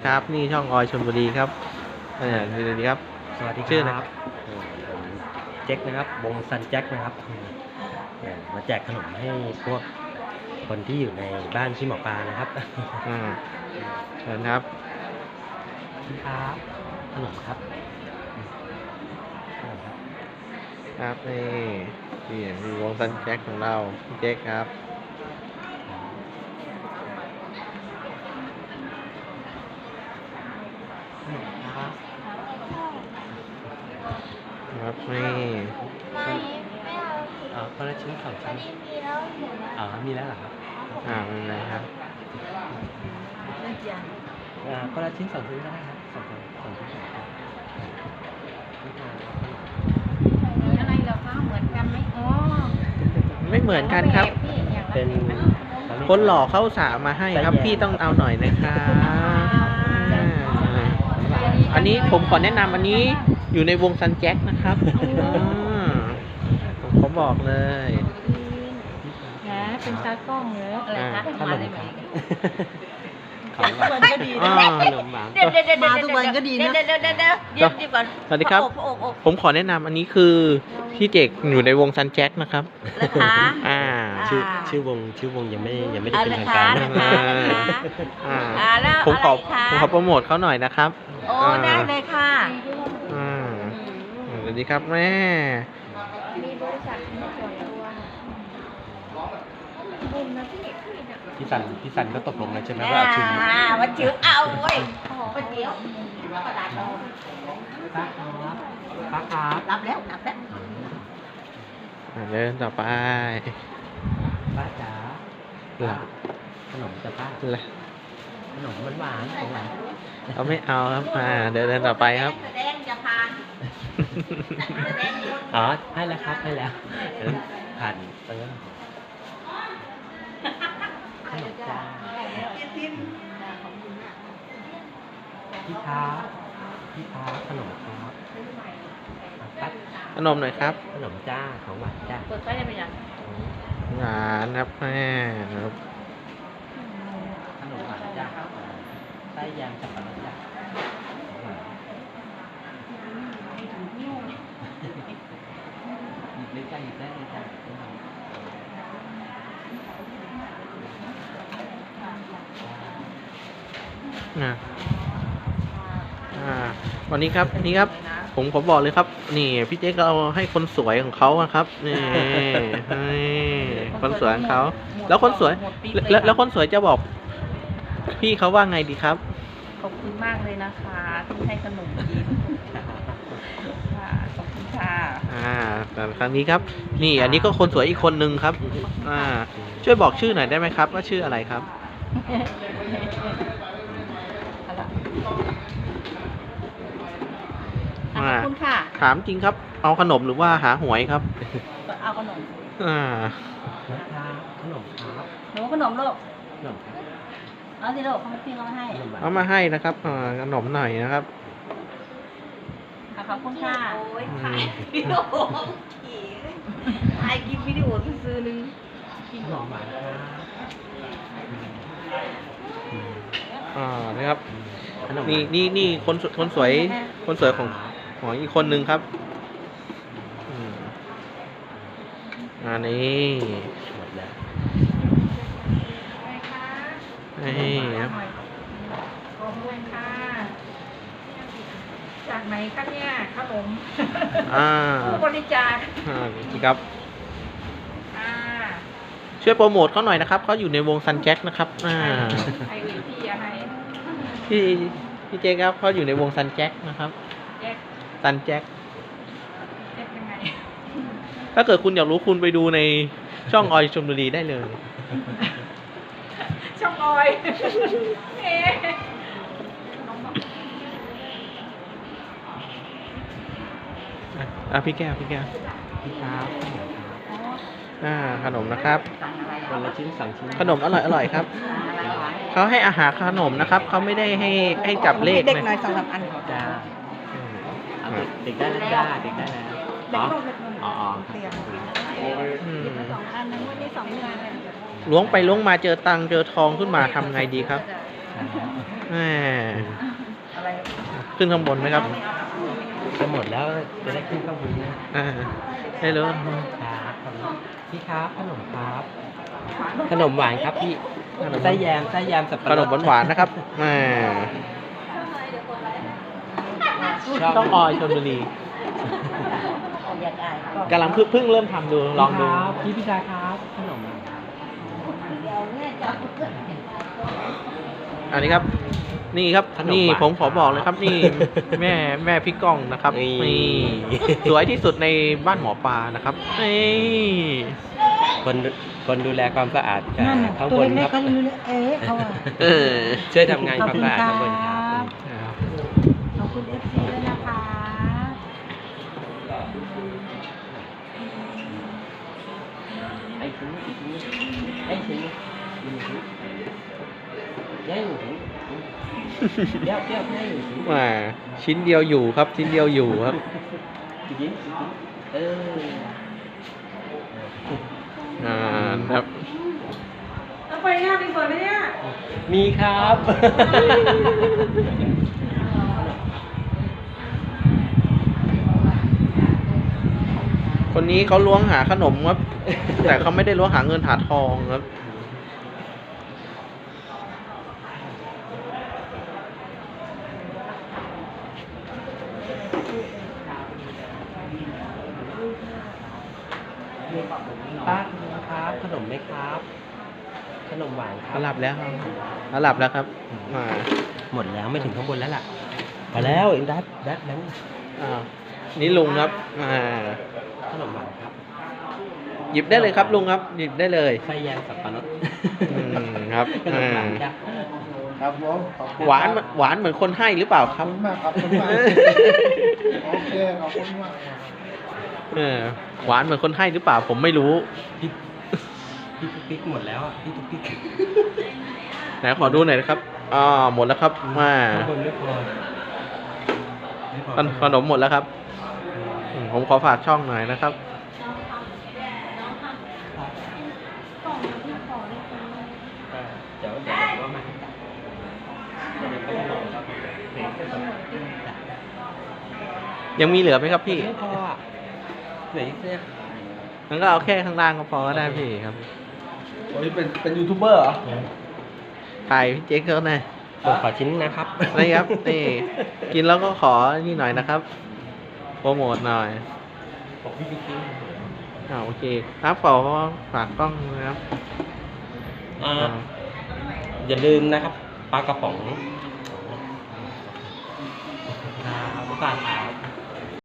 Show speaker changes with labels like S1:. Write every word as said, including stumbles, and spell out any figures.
S1: ครับนี่ช่องออยชลบุรีครับเออสวัสดีครับ
S2: สวัสดี
S1: ชื่อ
S2: ค
S1: อะไร
S2: รับผมแจ็คนะครับวงซันแจ็คนะครับเอ่อมาแจกขนมให้พวกคนที่อยู่ในบ้านที่หมอปลานะครับ
S1: อ่าเชิญครับ
S2: ครับขนมครับขนมครับ
S1: ครับนี่นี่มีวงซันแจ็คของเราพี่เจ๊กครับครับนี่
S3: ไม่ไม่เอา
S2: อ๋อคนละชิ้นสองชิ้น
S3: มีมีแล้วหนูนะ
S2: อ๋อมีแล้วเหรอครับ
S1: อ่าเป็นไรครับ
S2: อ่าคนละชิ้นสองชิ้นก็ได้ครับสองชิ้นสองชิ้นสองชิ้น
S3: มีอะไรเหรอคะเหมือนกันไหมอ๋อ
S1: ไม่เหมือนกันครับ
S3: พี่อย่างละ
S2: เป็น
S1: คนหล่อเข้าสามาให้ครับพี่ต้องเอาหน่อยนะครับอ่าอันนี้ผมขอแนะนำอันนี้อยู่ในวงซันแจ็คนะครับอ่าผมขอบอกเลย
S3: นะเป็นตากล้องเหรออะไรคะ
S2: ขนมครับ
S4: ของหวานก็ดี
S1: อ่า
S4: นะ
S2: ขนมหวาน
S4: เดี๋ยวเดี๋ยวเดี๋ยวมาทุกวันก็ดีนะ
S3: เดี๋ยวเดี๋ยวเดี๋ยวเดี๋ยวเดี๋ยวเดี๋ยวก่อน
S1: สวัสดีครับ
S3: โอบโอบ
S1: ผมขอแนะนำอันนี้คือพี่เจกอยู่ในวงซันแจ็คนะครับ
S3: นะคะ
S1: อ่า
S2: ชื่อชื่อวงชื่อวงยังไม่ยังไม่ได้เป็นทางการ
S3: นะ
S2: นะ
S3: คะ
S1: อ่า
S3: อ่าแล้ว
S1: ผมขอ
S3: อะไรคะ
S1: ผมขอโปรโมทเขาหน่อยนะครับ
S3: โอ้ได้เลยค่ะ
S1: อ่าสวัสดีครับแม่
S3: มีบริษัทมีส่วนรวมบุญนะพี่พี่นะ
S2: พี่สันพี่สันก็ตกลงแล้วใช่ไหมว่าเอาชิ้นนี้
S3: อ่าวันจื้อเอาเว้ยโอ้โหวันเดียวกระดาษรอง
S2: ป้าครับป้าครับ
S3: รับแล้วรับแล้ว
S1: อ่าเดินต่อไป
S2: ป้าจ๋า
S1: หลับ
S2: ขนมจะป้า
S1: หลับ
S2: ขนมหวานๆของหวาน
S1: เขาไม่เอาครับอ่าเดินเดินต่อไปครับ
S3: แสดงจะผ่านแสดงอยู่
S2: อ๋อให้แล้วครับให้แล้วเดี๋ยวผ่านเติมขนมจ้าพี่ท้าพี่ท้าขนมครับปั๊บ
S1: ขนมหน่อยครับ
S2: ขนมจ้าของหวานจ้า
S3: เปิดไฟได้ไหมยัง
S1: หวานครับแม่ครับ
S2: ขนมหวานจ้าไส้ยางสับปะรดจ้าของหวานหยิบเลยจ้าหยิบได้เลยจ้า
S1: อ่าอ่าวันนี้ครับนี่ครับ ผมขอบอกเลยครับ นี่พี่เจ๊ก็เอาให้คนสวยของเขาอะครับนี่นี่คนสวยของเขาแล้วคนสวยแล้วแล้วคนสวยจะบอก พี่เขาว่าไงดีครับ
S4: ขอบคุณมากเลยนะคะที่ให้ขนมกินค่ะขอบคุณค่ะ
S1: อ่าแต่ครั้งนี้ครับ นี่อันนี้ก็คนสวยอีกคนนึงครับ อ่า ช่วยบอกชื่อหน่อยได้ไหมครับ ว่าชื่ออะไรครับ
S4: ขอบคุณค่ะ
S1: ถามจริงครับ เอาขนมหรือว่าหาหวยครับ
S4: เอาขนม
S1: อ่า
S2: นะครับขนมครับ
S4: หนูขนมลูก
S2: ขนมครับ
S4: เอาสิลูกเขาพี่เขามาให้
S2: ขนมหวาน
S1: เอามาให้นะครับอ่าขนมหน่อยนะครับ
S4: อ่ะขอบคุณค่ะ
S3: โอ้ยถ่ายวิดีโอขี่ถ่ายคลิปวิดีโอซื้อนึง
S2: ขนมหวานครับ
S1: อ่า นะครับ
S2: ขนม
S1: นี่นี่นี่คนสคนสวย คนสวยของของอีกคนนึงครับอืมอ่านี่
S2: หมดแล้ว
S1: นี่ครับ
S4: ขอบคุณค่ะ จากไหนคะเนี่ยขนม
S1: อ่า
S4: ผู้บริจาค
S1: อ่านี่ครับ
S4: อ่า
S1: ช่วยโปรโมทเขาหน่อยนะครับ เขาอยู่ในวงซันแจ็คนะครับ อ่า
S4: ไอวีพี่อะไร
S1: พี่พี่เจ๊ครับเขาอยู่ในวงซันแจ็คนะครับ
S4: แจ็ค
S1: ซันแจ็ค
S4: แจ็คยังไง
S1: ถ้าเกิดคุณอยากรู้คุณไปดูในช่องออยชลบุรีได้เลย
S4: ช่องออยเอ๊ะ
S1: อ่ะอ่ะพี่แก้วพี่แก้ว
S2: พี่ครับ
S1: อ่าขนมนะครับ
S2: คนละชิ้นสองชิ้น
S1: ขนมอร่อยอร่อยครับเขาให้อาหารขนมนะครับเขาไม่ได้ให้ให้จับเลข
S4: เด็ก
S1: นะ
S4: หน่อยสองสามอัน
S2: จ้า
S1: อืม
S2: เอาเด็กเด็กได้แล้วจ้าเด็กได้แล้วอ๋ออ๋ออ๋อ
S4: เตียง
S1: อืม
S4: สองอันนึงวันนี้สองเดือนเลย
S1: ล้วงไปล้วงมาเจอตังค์เจอทองขึ้นมาทำไงดีครับ
S4: เ
S1: แหม
S3: อะไร
S1: ขึ้นข้างบนไหมครับ
S2: จะหมดแล้วจะได้ขึ้นข้างบนนะ
S1: อ่าได้เลย
S2: ครับพี่ครับขนมครับ ขนมหวานครับพี่ไส้แยมไส้แยมสับปะ
S1: ข
S2: ร
S1: น
S2: ด
S1: มหวานๆนะครับแหมต้องออยชลบุรี
S3: อยากอายก็
S1: กำลังเพิ่งเพิ่งเริ่มทำดูลองดู
S2: ครับพี่พิชาครับขนม
S3: เดี๋ยวเนี่ยจะ
S1: อันนี้ครับ นี่ครับนี่ผมขอบอกเลยครับนี่ แม่แม่พี่ก้องนะครับนี่สวยที่สุดในบ้านหมอปลานะครับนี่
S2: คนคนดูแลความสะอาดจาก
S3: นั่นน่ะ
S2: ข้าง
S3: ตัว
S2: บนค
S3: เล็
S2: รั
S3: ก
S2: บ
S3: ๆเขารู้เลยเอ๊ะเขาอะ
S1: เออ
S2: ช่วยทำงานความสะอาดข้างบนครับ
S3: ขอบคุณเอฟซีด้วยนะคะ
S2: ไอ้ถึงไอ้ถึงไอ้ถึงเดี๋ยวเดี๋ยวให้ถึง
S1: แหมชิ้นเดียวอยู่ครับชิ้นเดียวอยู่ครับ
S2: ยิ้มเออ
S1: อ่าครับ
S3: แล้วไปงานมีเปิดไหมเนี่ย
S2: มีครับ
S1: คนนี้เขาล้วงหาขนมครับ แต่เขาไม่ได้ล้วงหาเงินหาทองครับ
S2: ป้าครับขนมไหมครับ ขนมหวานครั
S1: เขาหลับแล้วครับเขาหลับแล้วครับอ่า
S2: หมดแล้วไม่ถึงข้างบนแล้วล่ะพอแล้วเองดัดดัดแล้ว
S1: อ่านี่ลุงครับอ่า
S2: ขนมหวานครับ
S1: หยิบได้เลยครับลุงครับ หยิบได้เลย
S2: ไส้แยมสับปะรด
S1: อืมครับ
S2: ขนมหวานจ้ะ
S5: ครับผมขอบคุณ
S1: หวานหวานเหมือนคนให้หรือเปล่าค
S5: ข
S1: รั
S5: อบบ คุณมากขอบคุณมากโอเคขอบคุณมากครับ
S1: เออหวานเหมือนคนให้หรือเปล่า ผมไม่รู้
S2: พี่พี่ตุ๊กติ๊กหมดแล้วอ่ะพี่ตุ๊กติ๊ก
S1: ไหนขอดูหน่อยนะครับอ่าหมดแล้วครับมา
S2: ข้างบนไม่พอไม่พอ
S1: ขนขนมหมดแล้วครับอืมผมขอฝากช่องหน่อยนะครับ
S2: เดี๋ยวเดี๋ยวเดี๋ยวว่ามาเดี๋ยวก็มาครับ
S1: ยังมีเหลือไหมครับพี่
S2: ไม่พออ่ะเหลืออีกเนี่ย
S1: งั้นก็เอาแค่ข้างล่างก็พอก็ได้พี่ครับ
S5: วันนี้เป็นเป็นยูทูบเบอร์เหรอ
S1: ถ่ายพี่เจ๊กเขาหน่อย
S2: ผมขอชิ้นนะครับ
S1: นี่ครับนี่กินแล้วก็ขอนี่หน่อยนะครับโปรโมทหน่อย
S2: บอกพี่บิ๊กติ๊ก
S1: อ่าโอเคครับขอฝากกล้องนะครับ
S2: อ่า
S1: อ่า
S2: อย่าลืมนะครับปลากระป๋องครับลูกค้าครับ